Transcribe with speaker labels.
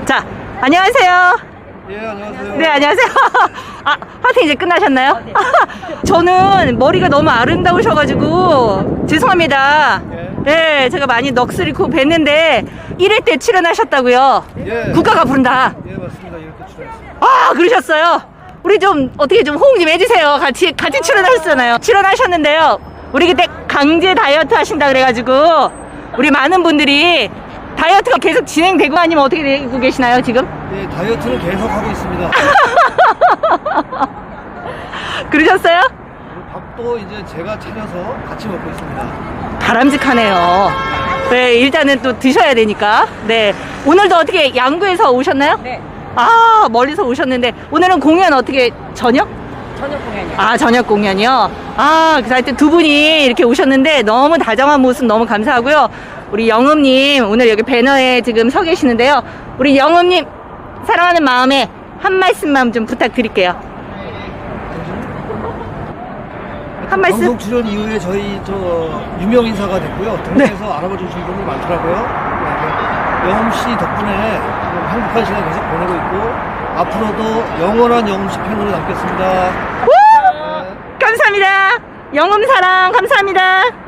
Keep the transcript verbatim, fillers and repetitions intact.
Speaker 1: 자, 안녕하세요.
Speaker 2: 예, 안녕하세요.
Speaker 1: 네, 안녕하세요. 아, 파티 이제 끝나셨나요? 네. 저는 머리가 너무 아름다우셔가지고 죄송합니다.
Speaker 2: 예.
Speaker 1: 네, 제가 많이 넋을 뵀는데 일 회 때 출연하셨다고요?
Speaker 2: 예.
Speaker 1: 국가가 부른다.
Speaker 2: 예, 맞습니다. 이렇게 출연했습니다.
Speaker 1: 아, 그러셨어요? 우리 좀 어떻게 좀 호응 좀 해주세요. 같이 같이 출연하셨잖아요. 출연하셨는데요. 우리 그때 강제 다이어트 하신다 그래가지고 우리 많은 분들이 다이어트가 계속 진행되고 아니면 어떻게 되고 계시나요 지금?
Speaker 2: 예, 다이어트는 계속 하고 있습니다.
Speaker 1: 그러셨어요?
Speaker 2: 그리고 밥도 이제 제가 차려서 같이 먹고 있습니다.
Speaker 1: 바람직하네요. 네, 일단은 또 드셔야 되니까. 네, 오늘도 어떻게 양구에서 오셨나요?
Speaker 3: 네,
Speaker 1: 아, 멀리서 오셨는데 오늘은 공연 어떻게 저녁?
Speaker 3: 저녁 공연이요.
Speaker 1: 아, 저녁 공연이요? 아, 그래서 하여튼 두 분이 이렇게 오셨는데 너무 다정한 모습 너무 감사하고요. 우리 영음님, 오늘 여기 배너에 지금 서 계시는데요. 우리 영음님, 사랑하는 마음에 한 말씀만 좀 부탁드릴게요. 한 말씀?
Speaker 2: 방송 출연 이후에 저희 저 유명 인사가 됐고요. 동네에서 알아봐 주신 분이 많더라고요. 네, 영음 씨 덕분에 행복한 시간 계속 보내고 있고 앞으로도 영원한 영음 씨 팬으로 남겠습니다.
Speaker 1: 우! 감사합니다. 영음 사랑 감사합니다.